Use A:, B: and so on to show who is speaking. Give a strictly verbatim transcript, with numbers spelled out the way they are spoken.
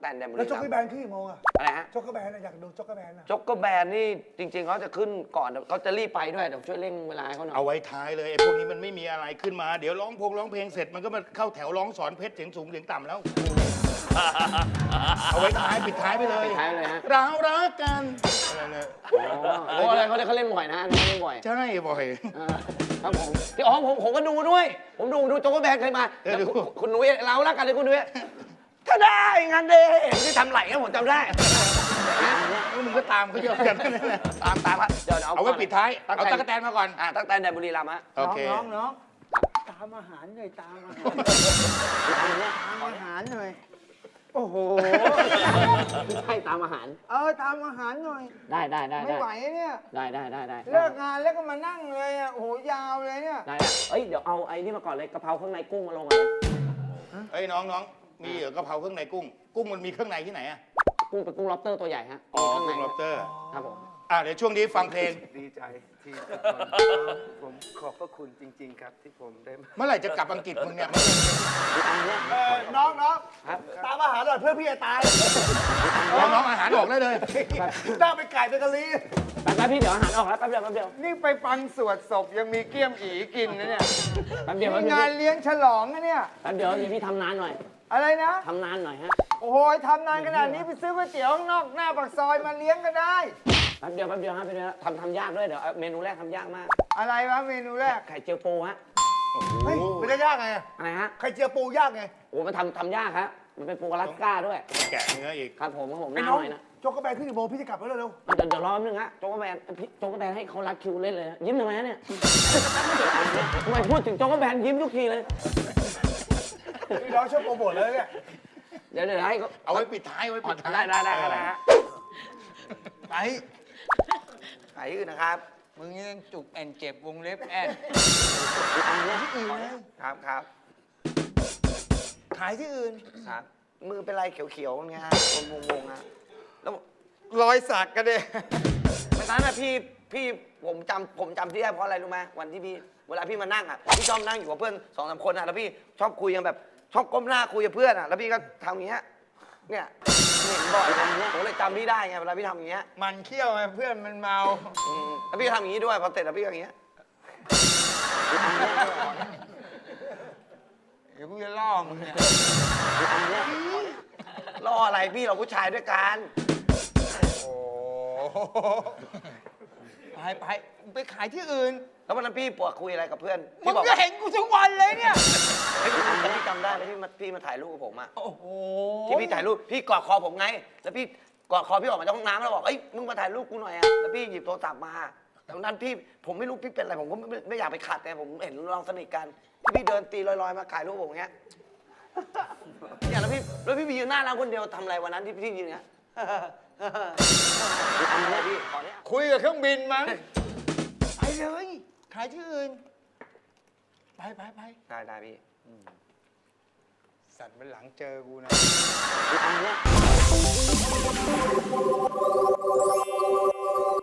A: แตนแดนบุรี
B: แล้วจ็อกเกอร์แบนขึ้นกี่โมงอะ
A: อะไรฮะ
B: จ็อกเกอร์แบนอยากดูจ็อกเกอร์แบนอะ
A: จ็อกเกอร์แบนนี่จริงๆเขาจะขึ้นก่อนเขาจะรีบไปด้วยเดี๋ยวช่วยเร่งเวลาให้เขาหน่อย
C: เอาไว้ท้ายเลยไอ้พวกนี้มันไม่มีอะไรขึ้นมาเดี๋ยวร้องพงร้องเพลงเสร็จมันก็มาเข้าแถวร้องสอนเพชรเสียงสูงเสียงต่ำแล้วเอาไว้ท้ายปิดท้ายไปเลย
A: ปิดท้ายเลยฮะ
C: เรารักกันอะไรเนี่ย
A: โอ้อะไรเขาเขาเล่นบ่อยนะเขาเล่นบ่อย
C: ใช่บ่อย
A: ครับผมที่อ๋อผมผมก็ดูด้วยผมดูดูโจ๊กแบนเคยมาคุณนุ้ยเรารักกันเลยคุณนุ้ยถ้าได้งานเดย์ที่ทำไหลกันผมจำได้
C: มึงก็ตามเขาเยอะกัน
A: ตามตามครับ
C: เดี๋ยวเอาไว้ปิดท้ายเอาตั๊กแตนมาก่อน
A: อ่าตั๊กแตนแดนบุรีรัมย์ฮะ
C: โอเค
B: น้องน้องตามอาหารหน่อยตามอาหารตามอาหารหน่อยโอ้โห
A: ใช่ตามอาหาร
B: เออตามอาหารหน่อย
A: ได้ได้ได้
B: ไม่ไหวเนี่ย
A: ได้ได้ได้ได้
B: เลิกงานแล้วก็มานั่งเลยอ่ะโอ้โหยาวเลยเนี่ย
A: ได้เอ้ยเดี๋ยวเอาไอ้นี่มาก่อนเลยกะเพราข้างในกุ้งมาลงก่อนเลย
C: เอ้ยน้องน้องมีเหรอกะเพราเครื่องในกุ้งกุ้งมันมีเครื่องในที่ไหนอะ
A: กุ้งเป็นกุ้งล็อบสเตอร์ตัวใหญ่ฮะ
C: อ๋อกุ้งล็อบสเตอร์
A: ครับผม
C: อ่าเดี๋ยวช่วงนี้ฟังเพลง
D: ดีใจที่ผมขอบพระคุณจริงๆครับที่ผมได้
C: เมื่อไหร่จะกลับอังกฤษมึงเนี่ย
B: น้องน้องตามอาหารหน่อยเพื่อพี่จะตาย
C: น้องน้องอาหารออกได้เลย
B: น่าไปไก่ไปกะลี
A: แป๊บพี่เดี๋ยวอาหารออกแล้วแป๊บเดียวแป๊บเดียว
D: นี่ไปฟังสวดศพยังมีเกี้ยมอีกินนะเนี่ย
A: แป๊บเดียว
D: งานเลี้ยงฉลองนะเนี่ย
A: แป๊บเดียวพี่ทำนานหน่อย
D: อะไรนะ
A: ทำนานหน่อยฮะ
D: โอ้โหทำนานขนาดนี้ไปซื้อก๋วยเตี๋ยวข้างนอกหน้าปากซอยมาเลี้ยงก็ได้
A: แป๊บเดียวแป๊บเดียวฮะแป๊บเดียวทำทำยากด้วยเดี๋ยวเมนูแรกทำยากมาก
D: อะไรวะเมนูแรก
A: ไข่เจียวปูฮะ
B: เฮ้ยมันจะยากไง
A: อะไรฮะ
B: ไข่เจียวปูยากไง
A: โอ้มันทำทำยากครับมันเป็นปูอลาสก้าด้วย
C: แกะเนื้ออีก
A: ครับผมครับผมน่าหน่อยนะ
B: โจ๊กกระแบนขึ้นกี่โมงพี่จะกลับแล้วเร็ว
A: เดี๋ยวเดี๋ยวรอนึงฮะโจ๊กกระแบนโจ๊กกระแบนให้เขารัดคิวเล่นเลยยิ้มทำไมเนี่ยทำไมพูดถึงโจ๊กกระแบนยิ้มทุกทีเลย
B: พี่น้องชอบโปรโมทเลยเนี่ย
A: เดี๋ยวเดี๋ยวให้
C: เอาไว้ปิดท้ายไว้ปิดท้าย
A: ได้ได้ได้ได้ฮะ
D: ไป
A: ไปอื่นนะครับ
D: มึงยังจุกแอนเจ็บวงเล็บแอน
B: ที่อื่นเลย
A: ครับครับ
B: ขายที่อื่น
A: ครับมือเป็นไรเขียวๆไงฮะวงวงๆฮะแล้ว
D: รอยสักกันเลย
A: ไม่ตอนนั้นพี่พี่ผมจำผมจำที่ได้เพราะอะไรรู้ไหมวันที่พี่เวลาพี่มานั่งอ่ะพี่ชอบนั่งอยู่กับเพื่อนสองสามคนอ่ะแล้วพี่ชอบคุยกันแบบชอบก้มหน้าคุยกับเพื่อนอ่ะแล้วพี่ก็ทำอย่างเงี้ยเนี่ยเห็นบ่อยนะผมเลยจำพี่ได้ไงเวลาพี่ทำอย่างเงี้ย
D: มันเขี้ยวไงเพื่อนมันเมา
A: แล้วพี่ทำอย่างงี้ด้วยพอเสร็จแล้วพี่ก็อย่างเงี้ย
D: เดี๋ยวกูจะล่อมึงเนี่ย
A: ล่ออะไรพี่เราผู้ชายด้วยกัน
D: โอ้ไปไปไปขายที่อื่น
A: แล้ววันนั้นพี่ปวดคุยอะไรกับเพื่อน
D: มึงก็เห็นกูทุกวันเลยเนี่ย
A: พี่จำได้ไหมที่มาพี่มาถ่ายรูปกับผมอ่ะ
D: โอ้โห
A: ที่พี่ถ่ายรูปพี่กอดคอผมไงแล้วพี่กอดคอพี่ออกมาจากห้องน้ำแล้วบอกเอ้ยมึงมาถ่ายรูปกูหน่อยอ่ะแล้วพี่หยิบโทรศัพท์มาแต่วันนั้นพี่ผมไม่รู้พี่เป็นอะไรผมก็ไม่ไม่อยากไปขัดไงผมเห็นเราสนิทกันที่พี่เดินตีลอยๆมาถ่ายรูปผมอย่างเงี้ยเนี่ยแล้วพี่แล้วพี่ไปยืนหน้าร้านคนเดียวทำอะไรวันนั้นที่พี่ยืนเงี้ยพี่ขอเนี้ย
D: คุยกับเครื่องบินมั้งไปเลยขายที่อื่นไปไปไป
A: ได้ได้พี่
D: สัตว์มันหลังเจอกูนะ